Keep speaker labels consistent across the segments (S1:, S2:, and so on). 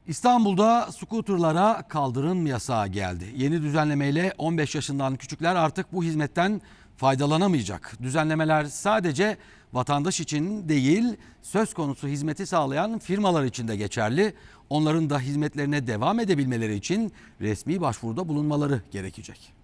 S1: İstanbul'da skuterlara kaldırım yasağı geldi. Yeni düzenlemeyle 15 yaşından küçükler artık bu hizmetten faydalanamayacak. Düzenlemeler sadece vatandaş için değil, söz konusu hizmeti sağlayan firmalar için de geçerli. Onların da hizmetlerine devam edebilmeleri için resmi başvuruda bulunmaları gerekecek.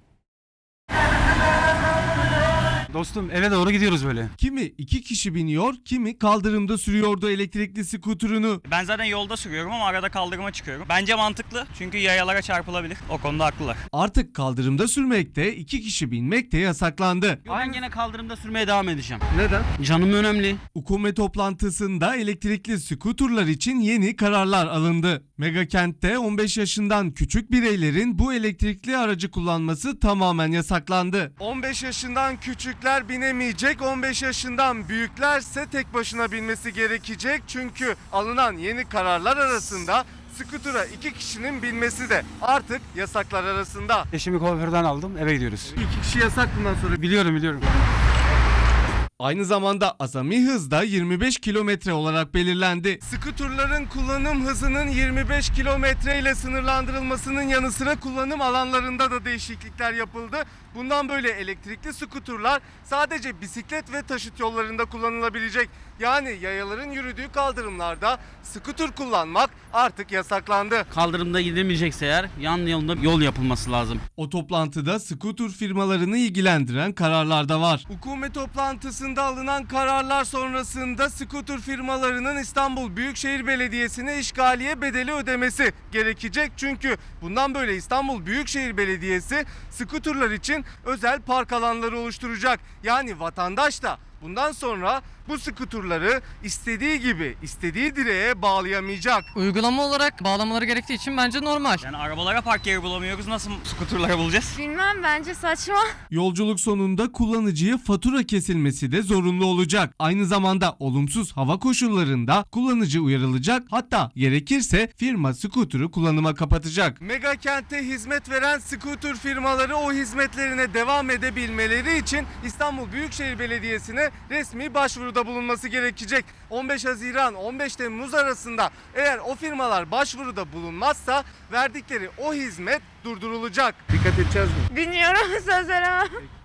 S2: Dostum eve doğru gidiyoruz böyle.
S3: Kimi 2 kişi biniyor, kimi kaldırımda sürüyordu elektrikli skuterını.
S4: Ben zaten yolda sürüyorum ama arada kaldırıma çıkıyorum. Bence mantıklı çünkü yayalara çarpılabilir. O konuda haklılar.
S3: Artık kaldırımda sürmekte, 2 kişi binmek de yasaklandı.
S2: Ben gene kaldırımda sürmeye devam edeceğim.
S3: Neden?
S2: Canım önemli.
S3: UKOME toplantısında elektrikli skuterlar için yeni kararlar alındı. Megakent'te 15 yaşından küçük bireylerin bu elektrikli aracı kullanması tamamen yasaklandı. 15 yaşından küçükler binemeyecek, 15 yaşından büyüklerse tek başına binmesi gerekecek. Çünkü alınan yeni kararlar arasında skutura 2 kişinin binmesi de artık yasaklar arasında.
S2: Eşimi kuaförden aldım, eve gidiyoruz.
S3: 2 kişi yasak bundan sonra.
S2: Biliyorum.
S3: Aynı zamanda azami hız da 25 kilometre olarak belirlendi. Skuterların kullanım hızının 25 kilometre ile sınırlandırılmasının yanı sıra kullanım alanlarında da değişiklikler yapıldı. Bundan böyle elektrikli skuterlar sadece bisiklet ve taşıt yollarında kullanılabilecek. Yani yayaların yürüdüğü kaldırımlarda skuter kullanmak artık yasaklandı.
S2: Kaldırımda gidilmeyecekse eğer yan yolda yol yapılması lazım.
S3: O toplantıda skuter firmalarını ilgilendiren kararlar da var. UKOME toplantısında alınan kararlar sonrasında skuter firmalarının İstanbul Büyükşehir Belediyesi'ne işgaliye bedeli ödemesi gerekecek. Çünkü bundan böyle İstanbul Büyükşehir Belediyesi skuterlar için özel park alanları oluşturacak. Yani vatandaş da bundan sonra bu skuterları istediği gibi istediği direğe bağlayamayacak.
S5: Uygulama olarak bağlamaları gerektiği için bence normal.
S4: Yani arabalara park yeri bulamıyoruz. Nasıl skuterlara bulacağız?
S6: Bilmem, bence saçma.
S3: Yolculuk sonunda kullanıcıya fatura kesilmesi de zorunlu olacak. Aynı zamanda olumsuz hava koşullarında kullanıcı uyarılacak. Hatta gerekirse firma skuterı kullanıma kapatacak. Megakent'te hizmet veren skuter firmaları o hizmetlerine devam edebilmeleri için İstanbul Büyükşehir Belediyesi'ne resmi başvuruda bulunması gerekecek. 15 Haziran 15 Temmuz arasında eğer o firmalar başvuruda bulunmazsa verdikleri o hizmet durdurulacak. Dikkat edeceğiz mi?
S6: Bilmiyorum, söz veremem.